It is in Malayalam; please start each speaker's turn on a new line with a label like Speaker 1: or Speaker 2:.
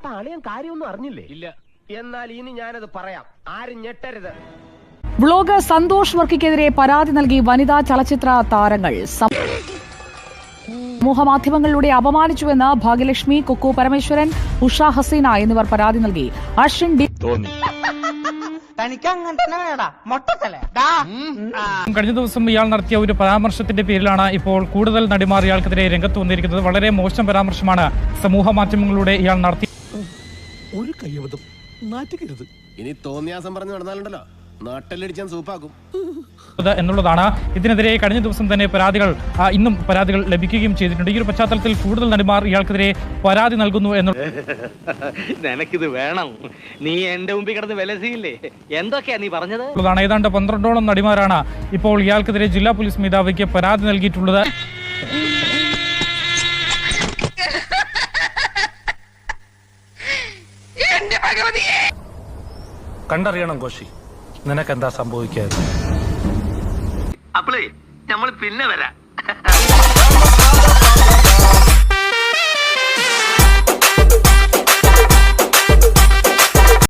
Speaker 1: അപ്പൊ അളിയൻ കാര്യമൊന്നും അറിഞ്ഞില്ലേ?
Speaker 2: ഇല്ല.
Speaker 1: എന്നാൽ ഇനി ഞാനത് പറയാം, ആരും ഞെട്ടരുത്.
Speaker 3: വ്ളോഗർ സന്തോഷ് വർക്കിക്കെതിരെ പരാതി നൽകി വനിതാ ചലച്ചിത്ര താരങ്ങൾ. സമൂഹമാധ്യമങ്ങളിലൂടെ അപമാനിച്ചുവെന്ന് ഭാഗ്യലക്ഷ്മി, കുക്കു പരമേശ്വരൻ, ഉഷ ഹസീന എന്നിവർ പരാതി നൽകി. അശ്വിൻ ഡി
Speaker 2: കഴിഞ്ഞ ദിവസം ഇയാൾ നടത്തിയ ഒരു പരാമർശത്തിന്റെ പേരിലാണ് ഇപ്പോൾ കൂടുതൽ നടിമാർ ഇയാൾക്കെതിരെ രംഗത്ത് വന്നിരിക്കുന്നത്. വളരെ മോശം പരാമർശമാണ് സമൂഹ മാധ്യമങ്ങളിലൂടെ ഇയാൾ നടത്തി.
Speaker 4: ഒരു കയ്യബദ്ധം നാറ്റുകരുത്.
Speaker 5: ഇനി തോന്നിയാസം പറഞ്ഞു നടന്നാലുണ്ടല്ലോ നാട്ടിലടിച്ചാൻ സൂപ്പാക്കും
Speaker 2: എന്നുള്ളതാണ്. ഇതിനെതിരെ കഴിഞ്ഞ ദിവസം തന്നെ ഇന്നും പരാതികൾ ലഭിക്കുകയും ചെയ്തിട്ടുണ്ട്. ഈ ഒരു പശ്ചാത്തലത്തിൽ കൂടുതൽ നടിമാർ ഇയാൾക്കെതിരെ പരാതി നൽകുന്നു
Speaker 6: നിനക്കിത് വേണം, നീ എന്റെ മുമ്പിൽ കിടന്ന് വിലസിയില്ലേ, എന്തൊക്കെയാ നീ പറഞ്ഞത്?
Speaker 2: ഏതാണ്ട് 12ഓളം നടിമാരാണ് ഇപ്പോൾ ഇയാൾക്കെതിരെ ജില്ലാ പോലീസ് മേധാവിക്ക് പരാതി നൽകിയിട്ടുള്ളത്.
Speaker 4: കണ്ടറിയണം കോശി, നിനക്കെന്താ സംഭവിക്കാതെ.
Speaker 6: അപ്പളേ നമ്മൾ പിന്നെ വരാം.